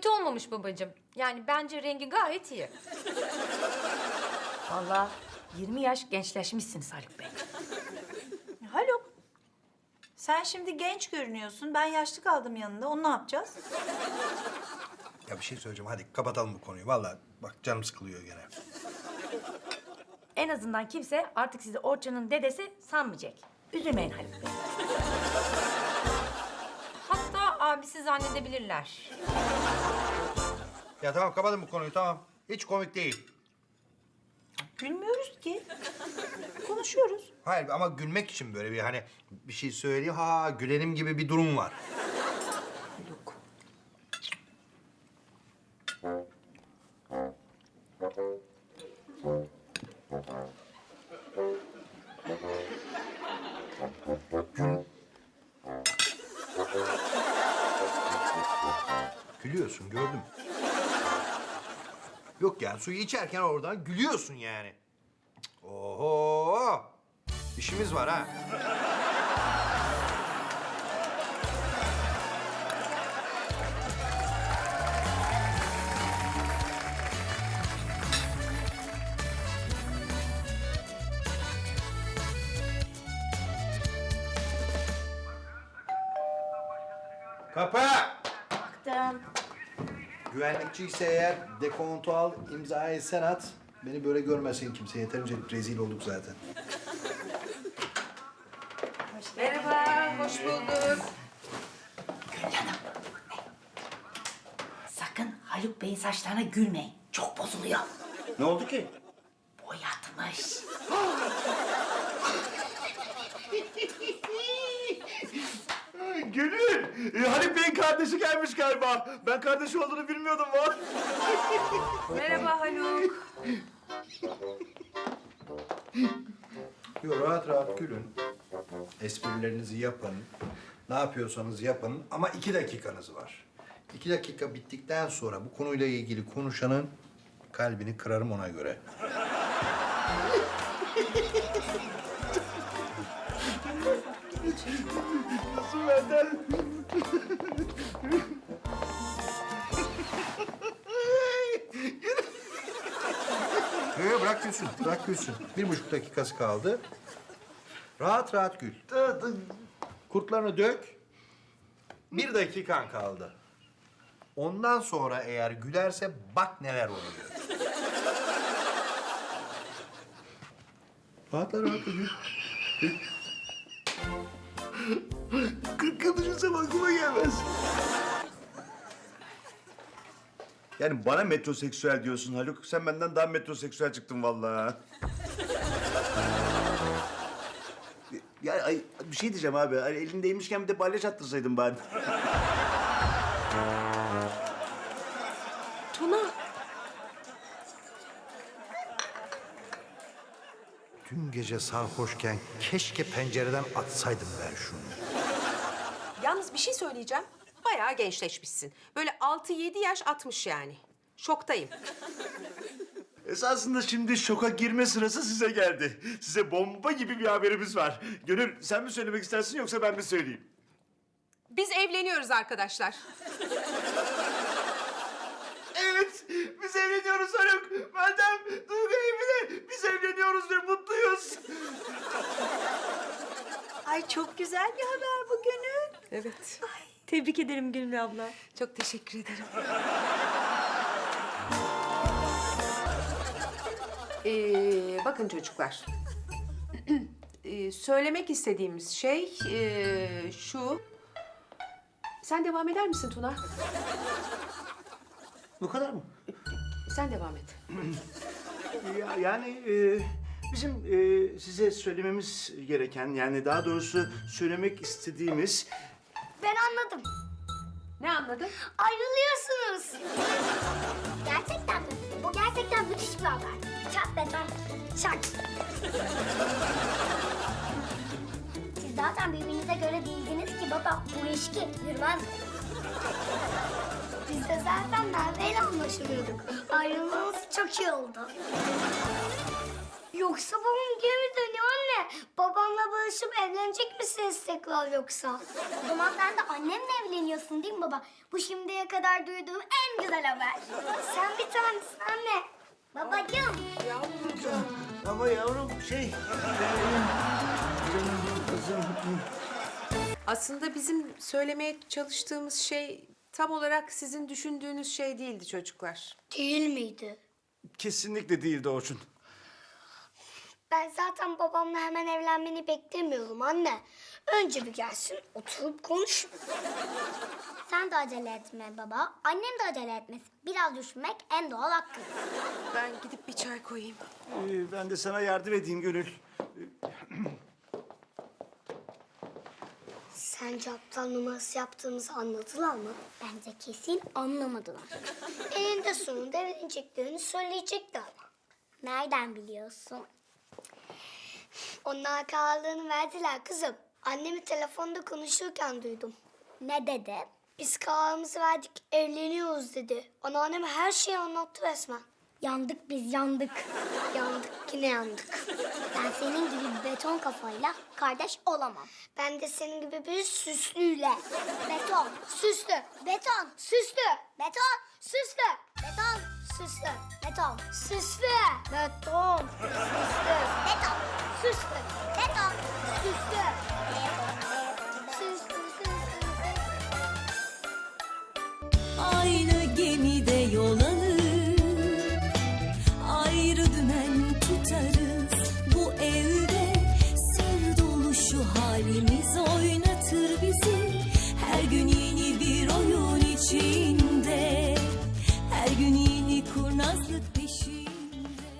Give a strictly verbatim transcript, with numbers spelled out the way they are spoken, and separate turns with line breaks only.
kötü olmamış babacığım. Yani bence rengi gayet iyi.
Vallahi yirmi yaş gençleşmişsiniz Haluk Bey.
Haluk, sen şimdi genç görünüyorsun. Ben yaşlı kaldım yanında. Onu ne yapacağız?
Ya bir şey söyleyeceğim. Hadi kapatalım bu konuyu. Vallahi bak canım sıkılıyor gene.
En azından kimse artık sizi Orçun'un dedesi sanmayacak. Üzülmeyin Haluk Bey.
Hatta abisi zannedebilirler.
Ya tamam kapatın bu konuyu tamam. Hiç komik değil.
Gülmüyoruz ki. Konuşuyoruz.
Hayır ama gülmek için böyle bir hani bir şey söyleyeyim. Ha gülenim gibi bir durum var.
Haluk.
Gülüyorsun gördüm. Yok yani suyu içerken oradan gülüyorsun yani. Cık, oho! İşimiz var ha. Kapı!
Baktım.
Güvenlikçi ise eğer dekontu al, imzayı sen at. Beni böyle görmesin kimse. Yeterince rezil olduk zaten.
Merhaba, hoş bulduk.
Sakın Haluk Bey'in saçlarına gülmeyin. Çok bozuluyor.
Ne oldu ki?
Boyatmış.
Gönül, e, Haluk Bey'in kardeşi gelmiş galiba. Ben kardeşi olduğunu bilmiyordum var.
Merhaba Haluk.
Yo, rahat rahat gülün. Esprilerinizi yapın. Ne yapıyorsanız yapın ama iki dakikanız var. İki dakika bittikten sonra bu konuyla ilgili konuşanın kalbini kırarım ona göre.
Benden.
Yo, yo, bırak gülsün, bırak gülsün. Bir buçuk dakikası kaldı. Rahat rahat gül. Kurtlarını dök. Bir dakikan kaldı. Ondan sonra eğer gülerse bak neler oluyor. Rahatla rahatla gül. Gül.
Kırk yıl düşünsem aklıma gelmez. Yani bana metroseksüel diyorsun Haluk. Sen benden daha metroseksüel çıktın vallahi. Ya ay, bir şey diyeceğim abi. Hani elindeymişken bir de balyaç attırsaydın bari.
Tuna.
Dün gece sarhoşken keşke pencereden atsaydım ben şunu.
Yalnız bir şey söyleyeceğim. Bayağı gençleşmişsin. Böyle altı yedi yaş atmış yani. Şoktayım.
Esasında şimdi şoka girme sırası size geldi. Size bomba gibi bir haberimiz var. Gönül sen mi söylemek istersin yoksa ben mi söyleyeyim?
Biz evleniyoruz arkadaşlar.
Evet, biz evleniyoruz Haluk. Meltem, Duygu Emine, biz evleniyoruz ve mutluyuz.
Ay çok güzel bir haber bu Gönül.
Evet.
Tebrik ederim Gülmü abla.
Çok teşekkür ederim. Ee, bakın çocuklar. Ee, söylemek istediğimiz şey ee, şu. Sen devam eder misin Tuna?
Bu kadar mı?
Sen devam et.
Ya, yani e, bizim e, size söylememiz gereken, yani daha doğrusu söylemek istediğimiz...
Ben anladım.
Ne anladın?
Ayrılıyorsunuz. Gerçekten mi? Bu gerçekten müthiş bir haber. Çat be çat. Şak. Siz zaten birbirinize göre değildiniz ki baba. Bu ilişki yürümez. Biz de zaten Merve'yle anlaşamıyorduk. Ayrılmamız çok iyi oldu. Yoksa babam geri mi dönüyor anne? Babam babamla barışıp evlenecek misiniz tekrar yoksa? O zaman sen de annemle evleniyorsun değil mi baba? Bu şimdiye kadar duyduğum en güzel haber. Sen bir tanesin anne. Babacığım.
Ama yavrum şey... e, canım kızım...
Aslında bizim söylemeye çalıştığımız şey tam olarak sizin düşündüğünüz şey değildi çocuklar.
Değil miydi?
Kesinlikle değildi Orçun.
Ben zaten babamla hemen evlenmeni beklemiyorum anne. Önce bir gelsin, oturup konuş. Sen de acele etme baba. Annem de acele etmesin. Biraz düşünmek en doğal hakkı.
Ben gidip bir çay koyayım.
Ee, ben de sana yardım edeyim Gönül.
Sence aptal numarası yaptığımızı anladılar mı? Bence kesin anlamadılar. Eninde sonunda evleneceklerini söyleyecekti ama. Nereden biliyorsun? Onlar kararlarını verdiler kızım. Annemi telefonda konuşurken duydum. Ne dedi? Biz kararımızı verdik, evleniyoruz dedi. Anneannem her şeyi anlattı resmen. Yandık biz, yandık. Yandık, yine yandık. Ben senin gibi bir beton kafayla kardeş olamam. Ben de senin gibi bir süslüyle. Beton, süslü, beton, süslü, beton, süslü, beton, süslü, beton, süslü, beton, süslü, beton, süslü, beton, süslü, süslü, süslü.
Aynı gemide yol alır, ayrı dümen tutarız.